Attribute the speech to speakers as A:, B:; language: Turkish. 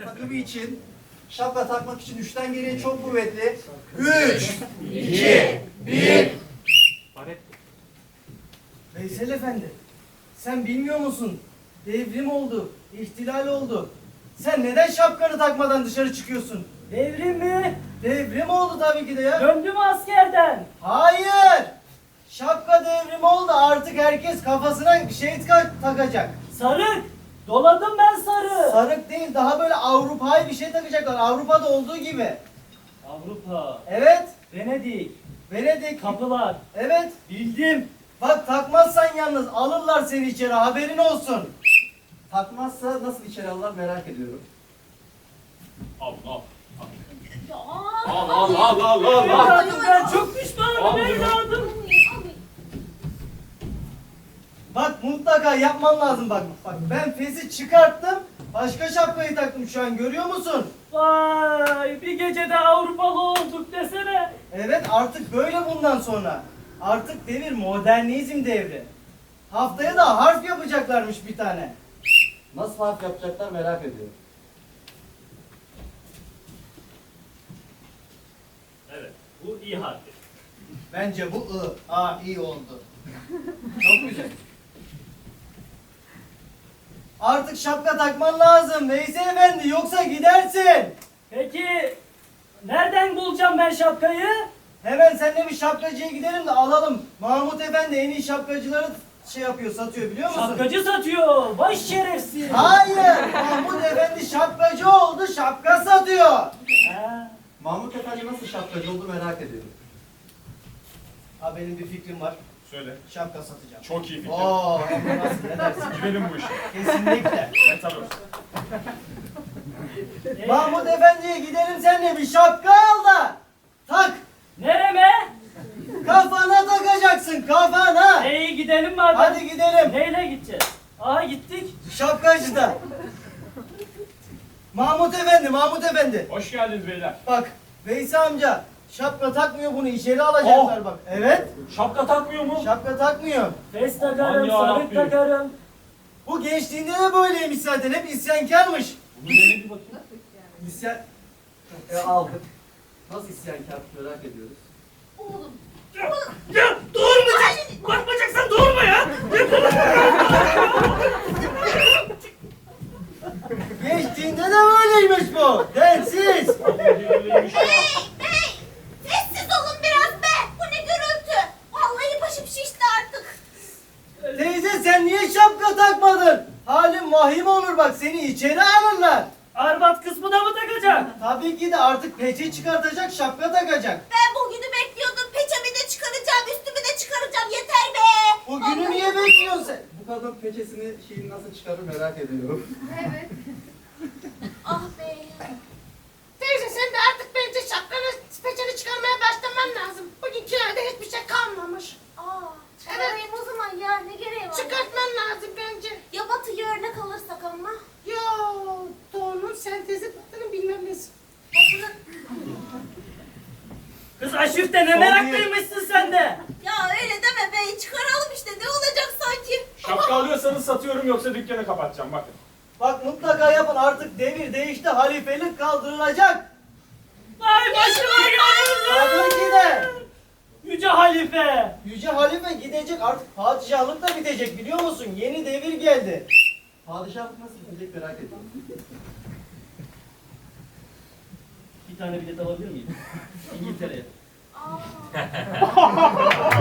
A: takımı için şapka takmak için 3'ten geriye çok kuvvetli. 3, 2, 1.
B: Veysel Efendi, sen bilmiyor musun? Devrim oldu, ihtilal oldu. Sen neden şapkanı takmadan dışarı çıkıyorsun?
C: Devrim mi?
B: Devrim oldu tabii ki de ya.
C: Döndüm askerden.
B: Hayır! Şapka devrimi oldu, artık herkes kafasına bir şey takacak.
C: Sarık. Doladım ben sarı.
B: Sarık değil, daha böyle Avrupa'yı bir şey takacaklar. Avrupa'da olduğu gibi.
C: Avrupa.
B: Evet,
C: Venedik.
B: Venedik.
C: Kapılar.
B: Evet,
C: Bildim.
B: bak takmazsan yalnız alırlar seni içeri, haberin olsun.
A: Takmazsa nasıl içeri alırlar merak ediyorum.
D: Al al.
E: Ya.
D: Al al al al al.
C: Evladım ben çok pişmanım
D: Al bunu.
C: evladım.
B: Bak mutlaka yapman lazım bak. Bak ben fesi çıkarttım, başka şapkayı taktım şu an, görüyor musun?
C: Vay bir gecede Avrupalı olduk desene.
B: Evet, artık böyle bundan sonra. Artık devir modernizm devri. Haftaya da harf yapacaklarmış bir tane.
A: Nasıl harf yapacaklar merak ediyorum.
D: Evet. Bu iyi harfi.
B: Bence bu I. Aa, iyi oldu. Çok güzel. Artık şapka takman lazım Veysel Efendi, yoksa gidersin.
C: Peki nereden bulacağım ben şapkayı?
B: Hemen seninle bir şapkacıya gidelim de alalım. Mahmut Efendi en iyi şapkacıları şey yapıyor, satıyor, biliyor musun?
C: Şapkacı satıyor. Vay şerefsiz.
B: Hayır, Mahmut Efendi şapkacı oldu, şapka satıyor.
C: Ha.
A: Mahmut Efendi nasıl şapkacı oldu merak ediyorum.
B: Ha, benim bir fikrim var.
D: Söyle.
B: Şapka satacağım.
D: Çok iyi fikir.
B: Oo, hem de nasıl, ne dersin?
D: Girelim bu işe.
B: Kesinlikle.
D: Evet tabii.
B: Mahmut Efendi'ye gidelim, seninle bir şapka al da tak.
C: Nereme?
B: Kafana takacaksın, kafana.
C: İyi gidelim madem.
B: Hadi gidelim.
C: Neyle gideceğiz? Aha gittik.
B: Şapkacıda. Mahmut Efendi, Mahmut Efendi.
D: Hoş geldiniz beyler.
B: Bak, Veysi amca şapka takmıyor, bunu içeri alacaklar
D: Oh.
B: bak. Evet,
D: Şapka takmıyor mu?
B: şapka takmıyor.
C: Fes takarım,
D: Aman ya
C: sarık
D: Rabbi.
C: takarım.
B: Bu gençliğinde de böyleymiş zaten, hep isyankarmış.
D: Bunu denedim bakayım.
A: İsyan... aldık. Nasıl isyankar merak ediyoruz.
E: Oğlum.
C: Ya doğurmayacaksın. Bakmayacaksan doğurma ya.
B: Gençliğinde de böyleymiş bu. Densiz.
D: Öyleymiş ya.
E: Hey! Sessiz olun biraz be! Bu ne gürültü? Vallahi başım şişti artık.
B: Teyze sen niye şapka takmadın? Halin vahim olur bak, seni içeri alırlar.
C: Arbat kısmı da mı takacak?
B: Tabii ki de artık peçe çıkartacak, şapka takacak.
E: Ben bugünü bekliyordum. Peçemi de çıkaracağım, üstümü de çıkaracağım. Yeter be!
B: Bugünü niye bekliyorsun sen?
A: Bu kadın peçesini şeyini nasıl çıkarır merak ediyorum.
E: Evet. Ah be!
F: Teyze sen de artık bence şapkanı, peçeni çıkarmaya başlaman lazım. Bugünkülerde hiçbir şey kalmamış.
E: Aa, çıkarayım o zaman ya. Ne gereği var?
F: Çıkartman lazım bence.
E: Ya Batı'yı örnek alırsak ama?
F: Yo, doğunun sentezi batının bilmem nesi.
E: Batı'nın...
C: Kız aşifte ne meraklıymışsın sen de.
E: Ya öyle deme be. Çıkaralım işte. Ne olacak sanki?
D: Şapka alıyorsanız satıyorum yoksa dükkanı kapatacağım bakın.
B: Bak mutlaka yapın, artık devir değişti, halifelik kaldırılacak.
C: Ay başıma
B: Tabii ki
C: geldi.
B: de.
C: Yüce Halife.
B: Yüce halife gidecek, artık padişahlık da bitecek, biliyor musun? Yeni devir geldi.
A: Padişahlık nasıl gidecek merak ediyorum.
C: Bir tane bilet alabilir miyim? İngiltere'ye.
E: Aa.